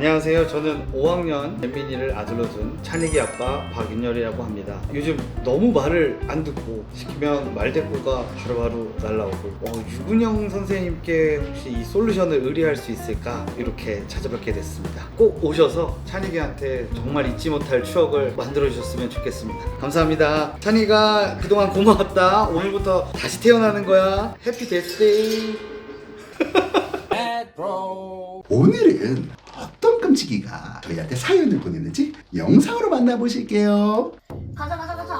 안녕하세요. 저는 5학년 잼민이를 아들로 둔 찬익이 아빠 박윤열이라고 합니다. 요즘 너무 말을 안 듣고 시키면 말대꾸가 바로바로 날라오고 유근영 선생님께 혹시 이 솔루션을 의뢰할 수 있을까 이렇게 찾아뵙게 됐습니다. 꼭 오셔서 찬익이한테 정말 잊지 못할 추억을 만들어 주셨으면 좋겠습니다. 감사합니다. 찬익아, 그동안 고마웠다. 오늘부터 다시 태어나는 거야. 해피 데스데이. 오늘은 어떤 끔찍이가 저희한테 사연을 보냈는지 영상으로 만나보실게요. 가자.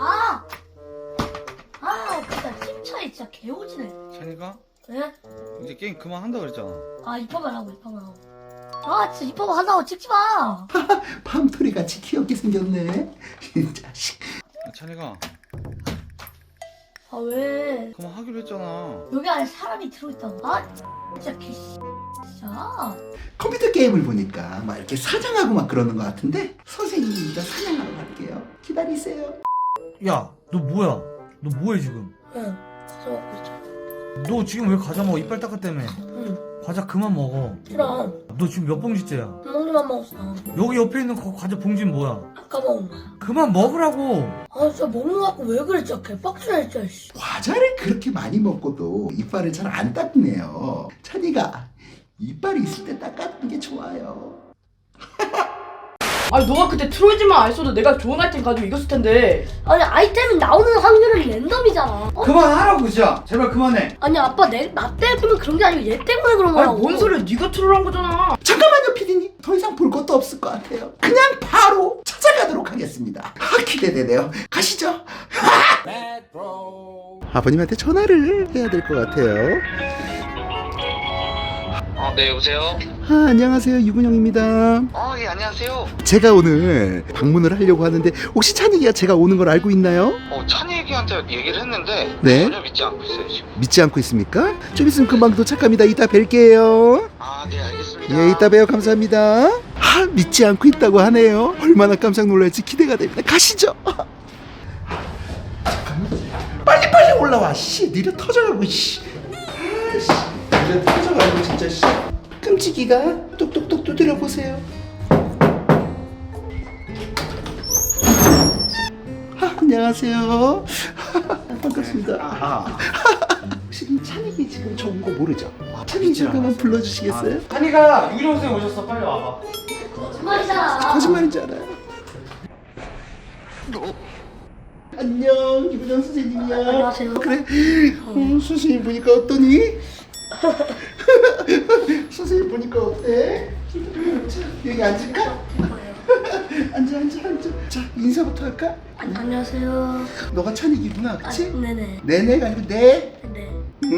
진짜 찜차에 진짜 개오지네. 찬익아, 왜? 이제 게임 그만한다 그랬잖아. 입학만 하고. 진짜 입학만 한다고 찍지 마. 팜토리 같이 귀엽게 생겼네. 이 자식. 찬익아, 왜? 그만하기로 했잖아. 여기 안에 사람이 들어있다고. 진짜 진짜. 컴퓨터 게임을 보니까 막 이렇게 사냥하고 막 그러는 것 같은데 선생님이 이따 사냥하러 갈게요. 기다리세요. 야, 너 뭐야? 너 뭐해 지금? 응. 과자 먹고 있잖아. 너 지금 왜 과자 먹어? 이빨 닦았다며. 응. 과자 그만 먹어. 싫어. 너 지금 몇 봉지째야? 한 봉지만 먹었어. 여기 옆에 있는 과자 봉지는 뭐야? 아까 먹은 거야. 그만 먹으라고. 진짜 먹는 거 갖고 왜 그래 진짜 개빡치네 진짜. 과자를 그렇게 많이 먹고도 이빨을 잘 안 닦네요. 찬이가 이빨이 있을 때 닦아주는 게 좋아요. 아니 너가 그때 트로이지만 안 써도 내가 좋은 아이템 가지고 이겼을 텐데. 아니 아이템이 나오는 확률은 랜덤이잖아. 그만하라고 진짜. 제발 그만해. 아니 아빠 나 때문에 그런 게 아니고 얘 때문에 그런 아니 거라고. 뭔 소리야, 네가 트롤한 거잖아. 잠깐만요, 피디님. 더 이상 볼 것도 없을 것 같아요. 그냥 바로 찾아가도록 하겠습니다. 기대되네요. 가시죠. 아버님한테 전화를 해야 될 것 같아요. 네, 여보세요? 안녕하세요, 유근영입니다. 예, 안녕하세요. 제가 오늘 방문을 하려고 하는데 혹시 찬이가 제가 오는 걸 알고 있나요? 찬이에게한테 얘기를 했는데 네. 전혀 믿지 않고 있어요, 지금. 믿지 않고 있습니까? 좀 있으면 금방 도착합니다. 이따 뵐게요. 네, 알겠습니다. 예, 이따 봬요. 감사합니다. 믿지 않고 있다고 하네요. 얼마나 깜짝 놀랄지 기대가 됩니다. 가시죠. 잠깐만. 빨리 올라와. 씨, 느려 터져가고. 씨. 느려 터져가고 진짜. 씨. 끔찍이가 똑똑똑 두드려 보세요. 안녕하세요. 반갑습니다. 혹시 찬익이 지금 저 온 거 모르죠? 찬익 잠깐만 불러주시겠어요? 찬익아, 유근영 선생님 오셨어. 빨리 와봐. 거짓말이잖아. 거짓말인지 알아요. 안녕, 유근영 선생님이야. 안녕하세요. 그래? 선생님 보니까 어떠니? 선생님 보니까 어때? 자, 여기 앉을까? 앉아. 자, 인사부터 할까? 안녕하세요. 너가 찬익이구나, 그치? 네네. 네네가 아니고 네. 네.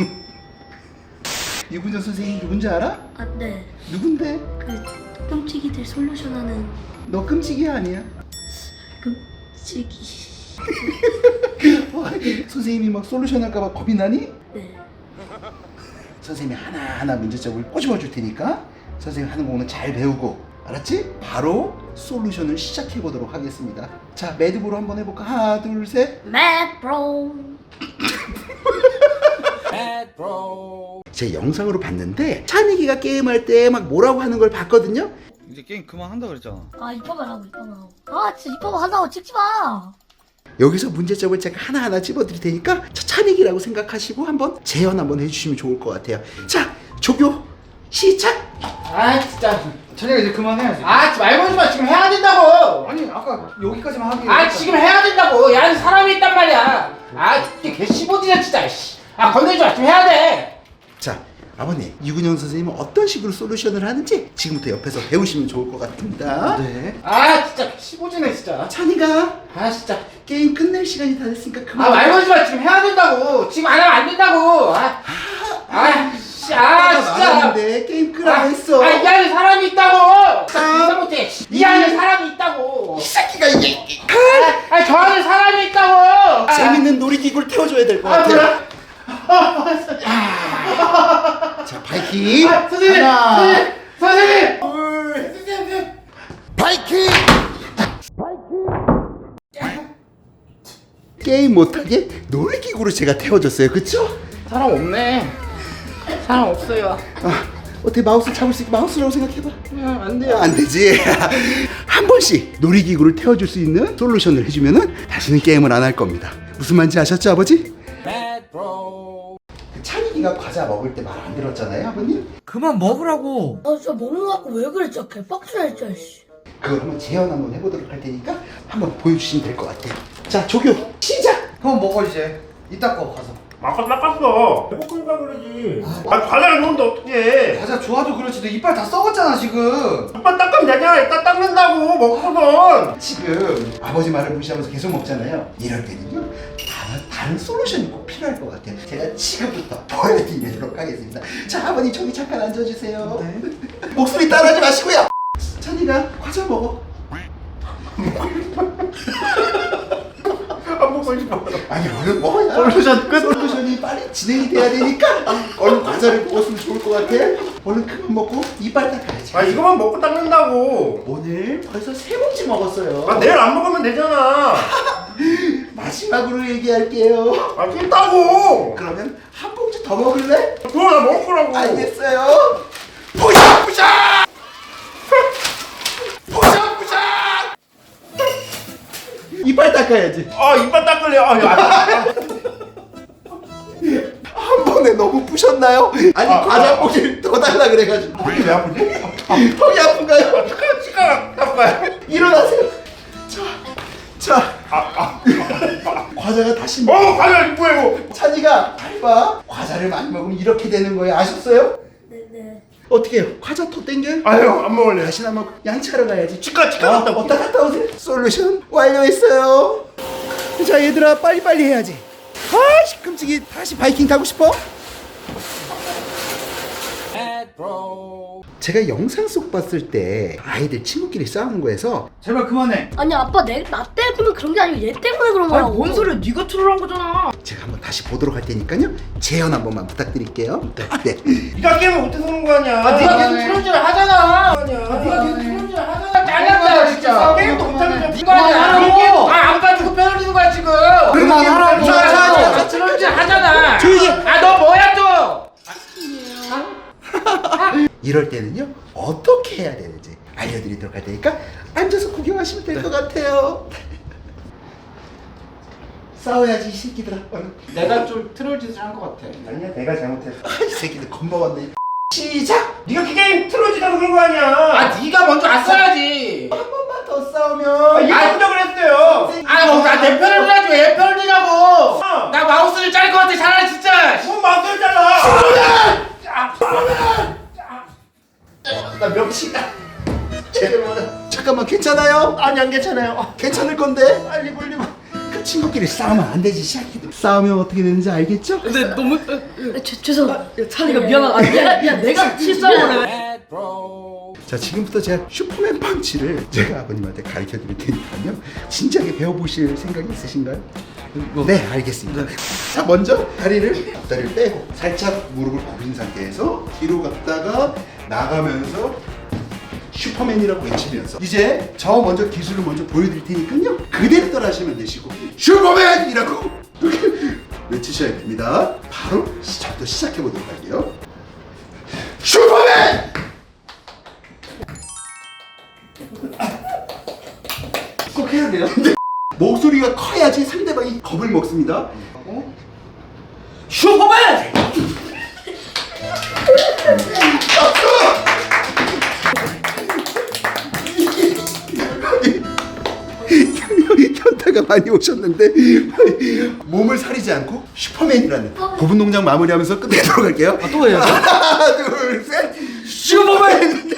유근영 선생님 누군지 알아? 네. 누군데? 그 끔찍이들 솔루션하는 너 끔찍이 아니야? 끔찍이. 선생님이 막 솔루션 할까봐 겁이 나니? 네. 선생님이 하나하나 문제점을 꼬집어 줄 테니까 선생님 하는 거는 잘 배우고, 알았지? 바로 솔루션을 시작해 보도록 하겠습니다. 자, 매듭으로 한번 해볼까? 하나, 둘, 셋. 매드브로. 제 영상으로 봤는데 찬익이가 게임할 때 막 뭐라고 하는 걸 봤거든요. 이제 게임 그만한다 그랬잖아. 입학만 하고. 진짜 입학만 한다고 찍지 마. 여기서 문제점을 제가 하나하나 찝어드릴 테니까 찬익이라고 생각하시고 한번 재현 한번 해주시면 좋을 것 같아요. 자, 조교 시작! 진짜. 찬익아, 이제 그만해야지. 말 걸지 마. 지금 해야 된다고. 아니, 아까 여기까지만 하기로. 지금 해야 된다고. 야, 사람이 있단 말이야. 이게 개 15지냐 진짜. 건들지 마. 지금 해야 돼. 자, 아버님, 유근영 선생님은 어떤 식으로 솔루션을 하는지 지금부터 옆에서 배우시면 좋을 것 같습니다. 네. 진짜 15지네 진짜. 찬이가 진짜. 게임 끝낼 시간이 다 됐으니까 그만. 말 걸지 마. 지금 해야 된다고. 지금 안 하면 안 된다고. 진짜. 나갔는데 게임 끄라고 했어. 이 안에 사람이 있다고. 진짜 못해. 이 안에 사람이 있다고. 이 새끼가 이게 저 안에 사람이 있다고. 재밌는 놀이기구를 태워줘야 될 것 같아요. 자, 바이킹. 선생님. 하나, 선생님. 둘, 바이킹. 게임 못하게 놀이기구로 제가 태워줬어요. 그쵸? 사람 없네. 사람 없어요. 어떻게 마우스 잡을 수 있게 마우스라고 생각해봐. 안 돼요. 안 되지. 한 번씩 놀이기구를 태워줄 수 있는 솔루션을 해주면은 다시는 게임을 안 할 겁니다. 무슨 말인지 아셨죠, 아버지? 찬이가 과자 먹을 때 말 안 들었잖아요, 아버님. 그만 먹으라고. 아 진짜 먹는 거 갖고 왜 그래 진짜 개빡치네 진짜 씨. 그걸 한번 재현 한번 해보도록 할 테니까 한번 보여주시면 될 것 같아요. 자, 조교 시작. 그럼 먹어 이제. 이따 거 가서. 아까 닦았어. 배고프니까 그러지. 아, 과자를 먹는데 어떡해. 과자 좋아도 그렇지 너 이빨 다 썩었잖아 지금. 오빠 닦으면 되잖아. 이따 닦는다고. 먹고선. 지금 아버지 말을 무시하면서 계속 먹잖아요. 이럴 때는요, 다른 솔루션이 꼭 필요할 것 같아요. 제가 지금부터 보여드리도록 하겠습니다. 자, 아버님 저기 잠깐 앉아주세요. 목소리 따라하지 마시고요. 찬이가 과자 먹어. 안 먹고 싶어. 아니, 얼른 먹어야 솔루션 끝. 솔루션이 빨리 진행이 돼야 되니까 얼른 과자를 먹었으면 좋을 것 같아. 얼른 그만 먹고 이빨 닦아야지. 아, 이거만 먹고 닦는다고. 오늘 벌써 3봉지 먹었어요. 아, 내일 안 먹으면 되잖아. 마지막으로 얘기할게요. 아, 찐다고. 그러면 한 봉지 더 먹을래? 그거 나 먹을 거라고. 알겠어요. 부셔부셔! 부셔부셔! 이빨 닦아야지. 아, 이빨 닦을래. 아, 야. 한 번에 너무 부셨나요? 아니, 과자 봉지를 더 달라 그래가지고. 턱이 왜 아프지? 턱이 아픈가요? 치과 닦아요. 일어나세요. 자. 과자가 다시 과자 뭐예요? 찬이가 잘 봐. 과자를 많이 먹으면 이렇게 되는 거예요. 아셨어요? 네네. 어떻게 해요? 과자 더 땡겨요? 아유, 안 먹을래. 다시 한번 양치하러 가야지. 치과 갔다 올게. 어디다 갔다 오세요. 솔루션 완료했어요. 자, 얘들아 빨리빨리 해야지. 아씨, 끔찍이. 다시 바이킹 타고 싶어? 제가 영상 속 봤을 때 아이들 친구끼리 싸우는 거에서 제발 그만해. 아니 아빠 나 때문에 그런 게 아니고 얘 때문에 그런 거라고. 뭔 소리야? 네가 트롤한 거잖아. 제가 한번 다시 보도록 할 테니까요, 재현 한 번만 부탁드릴게요. 네. 네가 게임을 못해서 그런 거 아니야. 아, 네가 계속 트롤질을 하잖아. 아니야. 네가 계속 트롤질을 하잖아. 잘난다 진짜. 게임도 못하면서 이거 아니야. 그만하라고. 안 가지고 빼돌리는 거야 지금. 그만하라고. 자, 트롤질 하잖아. 조용히. 아, 너 뭐야 또? 이럴 때는요, 어떻게 해야 되는지 알려드리도록 할 테니까 앉아서 구경하시면 될 것 같아요. 싸워야지 이 새끼들아. 내가 좀 트롤짓을 한 것 같아. 아니야, 내가 잘못했어. 이 새끼들 겁먹었네. 시작. 네가 게임 틀어지다고 그런 거 아니야. 아, 네가 먼저 왔어야지. 한 번만 더 싸우면 이거 그랬어요. 내 편을 들어야지 왜 편을 드냐고. 어. 나 마우스를 짤 것 같아 차라리 진짜. 뭔 마음대로 잘라. 나 명치다. 제대로 하라. 잠깐만, 괜찮아요? 아니, 안 괜찮아요. 괜찮을 건데. 빨리 굴리고. 그 친구끼리 싸우면 안 되지, 시작해도. 싸우면 어떻게 되는지 알겠죠? 근데 너무 죄송. 찬이가 미안하다. 미안 내가 실수한 거네. 자, 지금부터 제가 슈퍼맨 펀치를 제가 아버님한테 가르쳐 드릴 테니까요, 진지하게 배워보실 생각이 있으신가요? 네, 알겠습니다. 자, 먼저 다리를 빼고 살짝 무릎을 굽힌 상태에서 뒤로 갔다가 나가면서 슈퍼맨이라고 외치면서, 이제 저 먼저 기술을 먼저 보여드릴 테니까요, 그대로 따라하시면 되시고 슈퍼맨이라고 이렇게 외치셔야 됩니다. 바로 저부터 시작해 보도록 할게요. 슈퍼맨! 꼭 해야 돼요. 목소리가 커야지 상대방이 겁을 먹습니다. 슈퍼맨! 현타가 많이 오셨는데 몸을 사리지 않고 슈퍼맨이라는 고분 동작 마무리하면서 끝내도록 할게요. 또 해야죠? 하나, 둘, 셋. 슈퍼맨!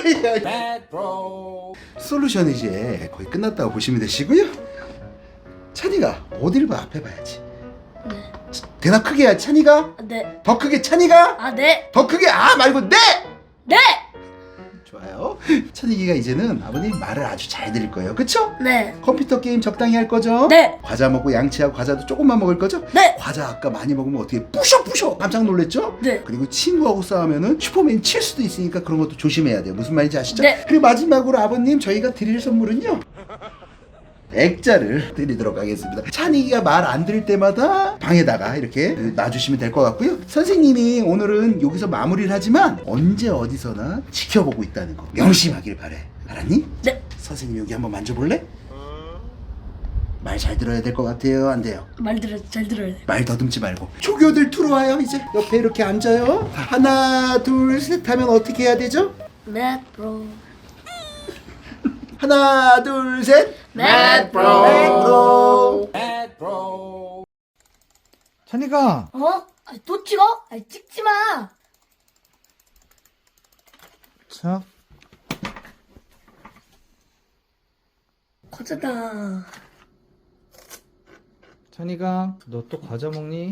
솔루션 이제 거의 끝났다고 보시면 되시고요. 찬이가 어딜 봐? 앞에 봐야지. 네. 대답 크게 해야지. 찬이가 네. 더 크게. 찬이가 아 네. 더 크게. 아 말고 네! 네. 좋아요. 찬이가 이제는 아버님 말을 아주 잘 들을 거예요. 그쵸? 네. 컴퓨터 게임 적당히 할 거죠? 네. 과자 먹고 양치하고 과자도 조금만 먹을 거죠? 네. 과자 아까 많이 먹으면 어떻게 부셔 깜짝 놀랬죠? 네. 그리고 친구하고 싸우면은 슈퍼맨 칠 수도 있으니까 그런 것도 조심해야 돼요. 무슨 말인지 아시죠? 네. 그리고 마지막으로 아버님, 저희가 드릴 선물은요, 액자를 드리도록 하겠습니다. 찬이가 말 안 들을 때마다 방에다가 이렇게 놔주시면 될 것 같고요. 선생님이 오늘은 여기서 마무리를 하지만 언제 어디서나 지켜보고 있다는 거 명심하길 바래. 알았니? 네. 선생님 여기 한번 만져볼래? 말 잘 들어야 될 것 같아요? 안 돼요? 잘 들어야 돼. 말 더듬지 말고. 조교들 들어와요. 이제 옆에 이렇게 앉아요. 하나 둘 셋 하면 어떻게 해야 되죠? 맷브로. 하나 둘 셋. 맷브로. 맥브로. 찬이가 어? 또 찍어? 찍지 마. 자 과자다. 찬이가 너 또 과자 먹니?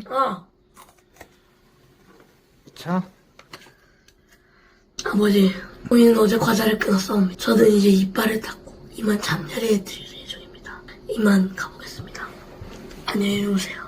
자 아버지, 우리는 어제 과자를 끊었사옵니다. 저는 이제 이빨을 닦고 이만 잠자리에 들 예정입니다. 이만 가보겠습니다. 안녕히 주무세요.